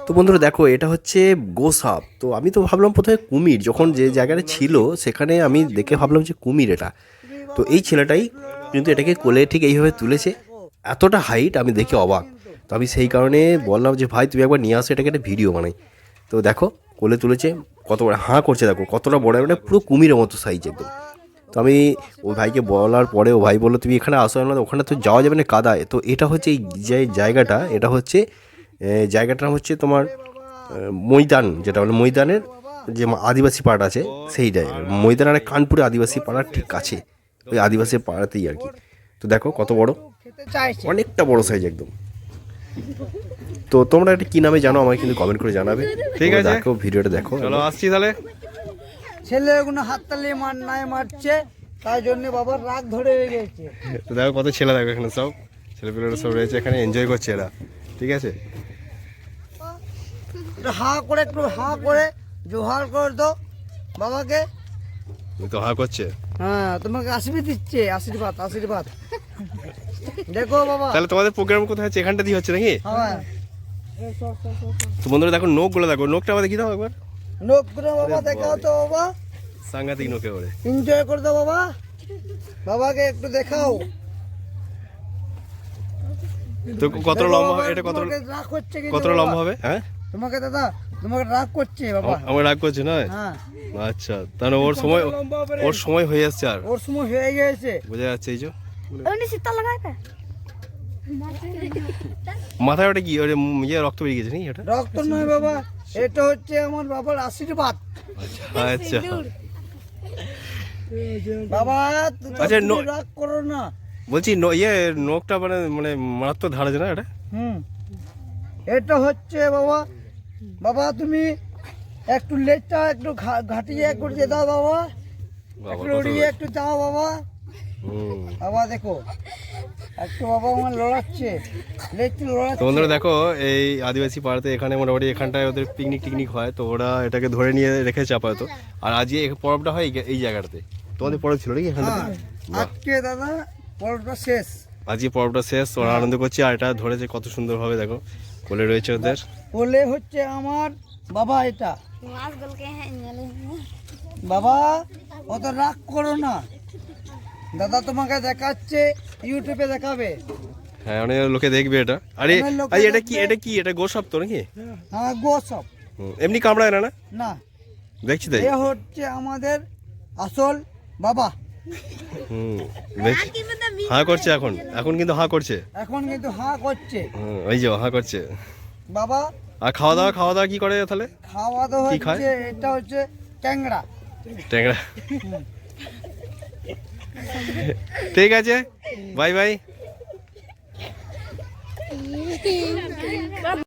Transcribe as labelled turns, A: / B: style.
A: তো বন্ধুরা দেখো, এটা হচ্ছে গোসাপ। তো আমি তো ভাবলাম প্রথমে কুমির, যখন যে জায়গাটা ছিল সেখানে আমি দেখে ভাবলাম যে কুমির এটা। তো এই ছেলেটাই কিন্তু এটাকে কোলে ঠিক এইভাবে তুলেছে। এতটা হাইট আমি দেখে অবাক। তো আমি সেই কারণে বললাম যে ভাই তুমি একবার নিয়ে আসো, এটাকে একটা ভিডিও বানাই। তো দেখো কোলে তুলেছে, কত বড় হাঁ করছে, দেখো কতটা বড়, মানে পুরো কুমিরের মতো সাইজ একদম। তো আমি ওই ভাইকে বলার পরে ও ভাই বললো তুমি এখানে আসো না, ওখানে তো যাওয়া যাবে না কাদায়। তো এটা হচ্ছে এই যে জায়গাটা, এটা হচ্ছে জায়গাটা হচ্ছে তোমার ময়দান, যেটা মানে ময়দানের যে আদিবাসী পাড়া আছে সেই জায়গায়। ময়দান আর কানপুরে আদিবাসী পাড়ার ঠিক কাছে, ওই আদিবাসী পাড়াতেই আর কি। তো দেখো কত বড়, অনেকটা বড় সাইজ একদম। তো তোমরা এটা কি নামে জানো আমাকে কিন্তু কমেন্ট করে জানাবে।
B: ঠিক আছে,
A: দেখো ভিডিওটা দেখো।
B: চলো আসছি তাহলে।
C: ছেলেগুলো হাততালি মারছে, তাই জন্য বাবার রাগ ধরে গেছে।
B: তো দেখো কত ছেলে, দেখো এখানে সব ছেলেপেলেরা সব রয়েছে, এখানে এনজয় করছে এরা। ঠিক আছে,
C: একটু হা করে জোহার করে দাও বাবাকে।
B: তো হা করছে।
C: হ্যাঁ, তোমাকে আশীর্বাদ দিচ্ছে, আশীর্বাদ আশীর্বাদ। দেখো বাবা,
B: তাহলে তোমাদের প্রোগ্রাম কোথায় হচ্ছে? এখানটা দিয়ে হচ্ছে নাকি?
C: হ্যাঁ,
B: তো বন্ধুরা দেখো নোকগুলো, দেখো নোকটা আমাদের কি দাও একবার।
C: নোকগুলো বাবা দেখাও তো বাবা,
B: সাংঘাতিক নোকে ওরে।
C: এনজয় করে দাও বাবা, বাবাকে একটু দেখাও।
B: তো কত লম্বা হবে এটা?
C: রাগ হচ্ছে
B: কত লম্বা হবে? হ্যাঁ,
C: তোমাকে দাদা, তোমাকে রাগ করছে বাবা।
B: আমার রাগ করছে নয়?
C: হ্যাঁ,
B: আচ্ছা, তাহলে ওর সময় হয়ে আসছে, আর
C: ওর সময় হয়ে গেছে।
B: বোঝা যাচ্ছে। এই যে
D: শীতল লাগাইবে
B: মাথায় ওটা কি, ওটা ইয়ে রক্ত বেরিয়ে গেছে নাকি? ওটা
C: রক্ত নয় বাবা, এটা হচ্ছে আমার বাবার আশীর্বাদ।
B: আচ্ছা
C: বাবা
B: আচ্ছা,
C: তুমি রাগ করো না।
B: বলছি ইয়ে নোকটা মানে মানে মারাত্মক ধার আছে না এটা?
C: এটা হচ্ছে বাবা, বাবা তুমি একটু লেজটা একটু ঘাটিয়ে একটু দিয়ে দাও বাবা, একটু উড়িয়ে একটু যাও বাবা। বাবা দেখো একটু বাবা আমার লড়াচ্ছে, লেজটা
B: তো
C: লড়াচ্ছে।
B: বন্ধুরা দেখো, এই আদিবাসী পাড়াতে এখানে মোটামুটি এখানটায় ওদের পিকনিক হয়, তো ওরা এটাকে ধরে নিয়ে রেখেছে আপাতত। আর আজকে এই পরবটা হয় এই জায়গাটাতে। তোমাদের পরব ছিল নাকি এখানটাতে?
C: আজকে দাদা পরবটা শেষ,
B: আজকে পরবটা শেষ, ওরা আনন্দ করছে। আর এটা ধরেছে কত সুন্দরভাবে, দেখো কোলে রয়েছে ওদের।
C: বলে হচ্ছে আমার বাবা। এটা
D: মাছ গলকে হ্যাঁ নিলে
C: বাবা, অত রাগ করো না, দাদা তোমাকে দেখাচ্ছে, ইউটিউবে দেখাবে।
B: হ্যাঁ, অনেক লোকে দেখবে এটা। আরে
C: অনেক লোকে
B: আরে
C: দেখবে।
B: এটা গোসাপ তো নাকি?
C: হ্যাঁ গোসব
B: এমনি কামড়ায় না? না
C: না,
B: দেখছি তাই।
C: এ হচ্ছে আমাদের আসল বাবা।
B: হা করছে এখন, এখন কিন্তু হা করছে।
C: এখন কিন্তু হা করছে
B: ওই যে হা করছে
C: বাবা।
B: আর খাওয়া দাওয়া কি করে তাহলে?
C: খাওয়া দাওয়া
B: কি খায়?
C: হচ্ছে, এটা হচ্ছে ট্যাংরা।
B: ট্যাংরা। ঠিক আছে, বাই বাই।